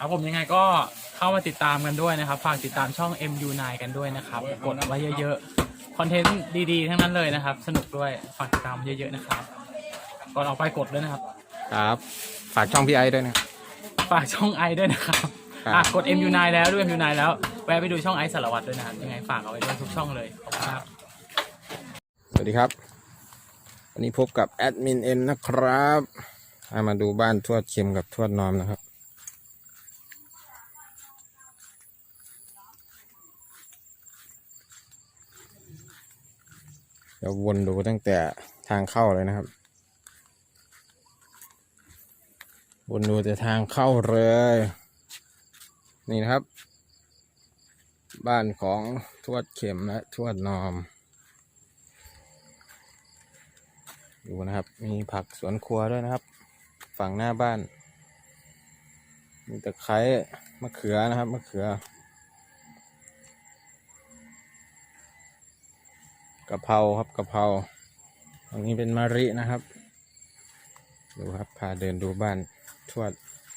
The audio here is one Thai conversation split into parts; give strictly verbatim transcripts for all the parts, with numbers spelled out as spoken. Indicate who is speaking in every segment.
Speaker 1: ครับผมยังไงก็เข้ามาติดตามกันด้วยนะครับฝากติดตามช่อง เอ็ม ยู ไนน์ กันด้วยนะครับกดไว้เยอะๆคอนเทนต์ดีๆทั้งนั้นเลยนะครับสนุกด้วยฝากติดตามเยอะๆนะครับก่อนออกไปกดด้วยนะครับ
Speaker 2: ครับฝากช่องพี่ไอด้วยนะ
Speaker 1: ฝากช่องไอด้วยนะครับอ่ะกด เอ็ม ยู ไนน์ แล้วด้วย เอ็ม ยู ไนน์ แล้วแวะไปดูช่องไอสารวัตรด้วยนะครับยังไงฝากเอาไว้ด้วยทุกช่องเลยขอบคุณครับ
Speaker 2: สวัสดีครับวันนี้พบกับแอดมินเอ็มนะครับมาดูบ้านทวดเข็มกับทวดนอมนะครับเดี๋ยววนดูตั้งแต่ทางเข้าเลยนะครับวนดูแต่ทางเข้าเลยนี่นะครับบ้านของทวดเข็มและทวดนอมดูนะครับมีผักสวนครัวด้วยนะครับฝั่งหน้าบ้านมีตะไคร้มะเขือนะครับมะเขือกะเพราครับกะเพราตรงนี้เป็นมะรินะครับดูครับพาเดินดูบ้านทวด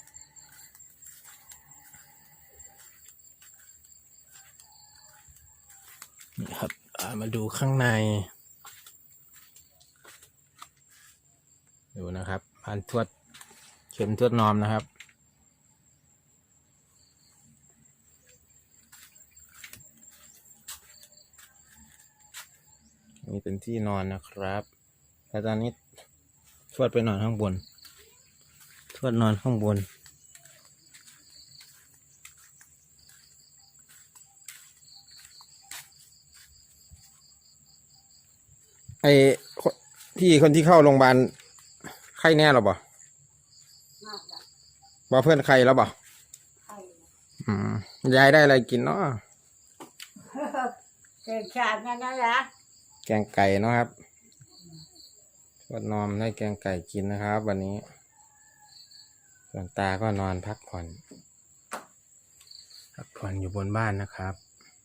Speaker 2: นี่ครับมาดูข้างในดูนะครับบ้านทวดเข็มทวดนอมนะครับนี่เป็นที่นอนนะครับแต่ตอนนี้ทวดไปนอนข้างบนทวดนอนข้างบนไอพี่คนที่เข้าโรงพยาบาลไข้แน่หรอบ่บ่เพื่อนใครแล้วบ่อืมยายได้อะไรกินเนาะ
Speaker 3: แกงชาตินั่นนะ
Speaker 2: แกงไก่เนาะครับทวดนอมได้แกงไก่กินนะครับวันนี้ส่วนตาก็นอนพักผ่อนพักผ่อนอยู่บนบ้านนะครับ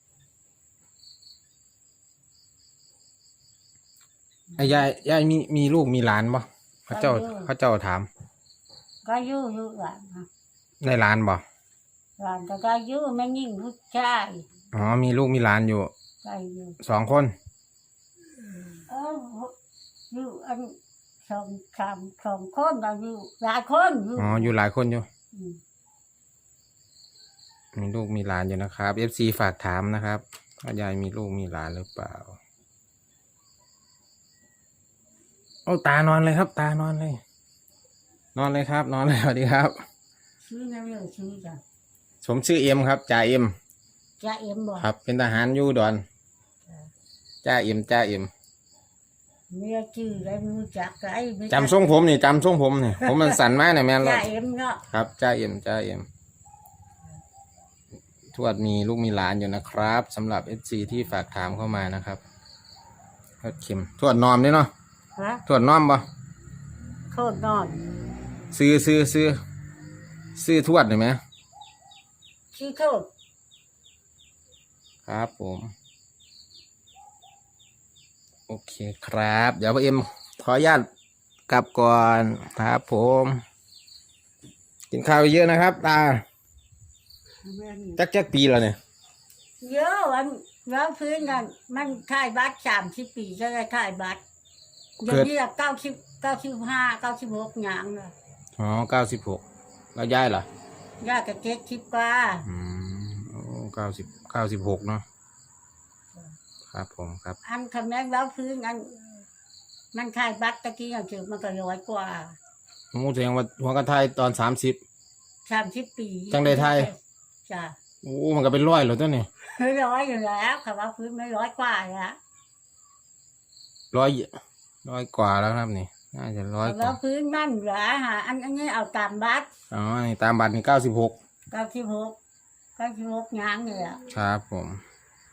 Speaker 2: ไอ้ยายยายมีมีลูกมีหลานบ่เขาเจ้าเขาเจ้าถาม
Speaker 3: ก็อยู่อยู่หลาน
Speaker 2: ได้หลานบ่
Speaker 3: หลานก็ก็อยู่ไม่ยิ่งผู้ชาย
Speaker 2: อ๋อมีลูกมีหลานอยู่
Speaker 3: ก็อยู่
Speaker 2: สองคน
Speaker 3: เอออยู่อันสองสามสองคนก็อยู่หลายคนอยู่
Speaker 2: อ๋ออยู่หลายคนอยู่มีลูกมีหลานอยู่นะครับเอฟซีฝากถามนะครับว่ายายมีลูกมีหลานหรือเปล่าโอ้ตานอนเลยครับตานอนเลยนอนเลยครับนอนเลยสวัสดีครับ
Speaker 3: ชื่อนั่นเลยชื่อจ้ะ
Speaker 2: ผมชื่อเอ็มครับจ่าเอ็ม
Speaker 3: จ่าเอ็มบ่
Speaker 2: ครับเป็นทหารอยู่ดอนจ่าเอ็มจ่าเอ็ม
Speaker 3: เมียชื่ออะไรไม่รู้จักไอ้
Speaker 2: จำทรงผมนี่จำทรงผมนี่ผมมันสั่นมากเนี่ยแม่
Speaker 3: จ่าเอ็มเนาะ
Speaker 2: ครับจ่าเอ็มจ่าเอ็มทวดมีลูกมีหลานอยู่นะครับสำหรับเอฟซีที่ฝากถามเข้ามานะครับทวดเข็มทวดนอมด้วยเนาะทวดนอมบ่
Speaker 3: โทษนอน
Speaker 2: ซื้อซื้อซื้อซื้อทวดได้ไหม
Speaker 3: ชื่อโทษ
Speaker 2: ครับผมโอเคครับเดี๋ยวพ่อเอ็มขออนุญาตกลับก่อนครับผมกินข้าวเยอะนะครับตาจักจักปีแล้วเนี่ย
Speaker 3: เยอะวันแล้วพื้นกันมันถ่ายบัตรสามสิบปีจะได้ถ่ายบัตรเดี๋ยวนี้เก้าสิบเก้าสิบห้าเก้าสิบหกอย่างเลย
Speaker 2: อ๋อเก้าสิบหกแล้วย้ายเหร
Speaker 3: อย่ากับเจ็ดสิบกว่า
Speaker 2: อืมโอ้เก้าสิบเก้าสิบหกเนาะครับผมครับ
Speaker 3: อันคำนั้นแล้วพื้นอันมันถ่ายบัตรตะกี้อย่างเจอมันก็ร้อยกว่า
Speaker 2: โอ้แสดงว่าหัวกระไทยตอนสามสิบ
Speaker 3: สามสิบปี
Speaker 2: จังได้ไทย
Speaker 3: จ้ะ
Speaker 2: โอ้มันก็เป็นร้อยเหรอตัวนี้
Speaker 3: ร้อยอยู่แล้วค่ะว่าพื้นไม่ร้อยกว่าละ
Speaker 2: ร้อยร้อยกว่าแล้วครับนี่น่าจะร้อยกว่า
Speaker 3: แล้วพื้นนั่นเหรอฮะอันอันนี้เอาตามบัตร
Speaker 2: อ๋อนี่ตามบัตรนี่เก้าสิบหก
Speaker 3: เก้าสิบหกเก้าสิบหกยางเลยอ่ะ
Speaker 2: ครับผม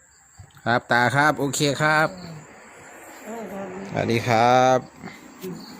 Speaker 2: ครับตาครับโอเคครับสวัสดีครับ